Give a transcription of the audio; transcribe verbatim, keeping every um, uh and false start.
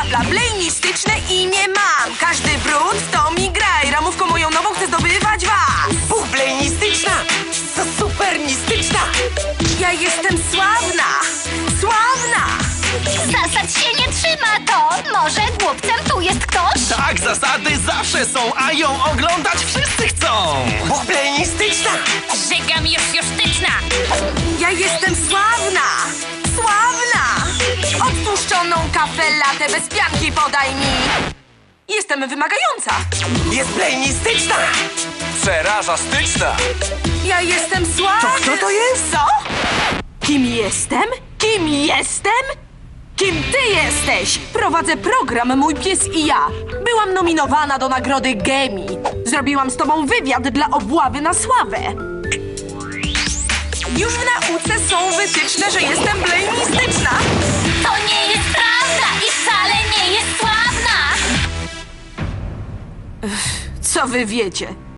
bla, blenistyczne imię mam. Każdy brud to mi graj. Ramówką moją nową chcę zdobywać was. Bublenistyczna! Co supernistyczna! Ja jestem sławna, sławna. Zasad się nie trzyma, to może głupcem tu jest ktoś? Tak, zasady zawsze są, a ją oglądać wszyscy chcą! Bublenistyczna! Żygam już jusztyczna. Ja jestem sławna, sławna. Odtłuszczoną kawę latę bez pianki podaj mi. Jestem wymagająca. Jest blenistyczna! Przeraża styczna! Ja jestem sławna. To kto to jest? Co? Kim jestem? Kim jestem? Kim ty jesteś? Prowadzę program Mój Pies i ja. Byłam nominowana do nagrody Gemi. Zrobiłam z tobą wywiad dla obławy na sławę. Już w nauce są wytyczne, że jestem blenistyczna. To nie jest prawda i wcale nie jest sławna. Co wy wiecie?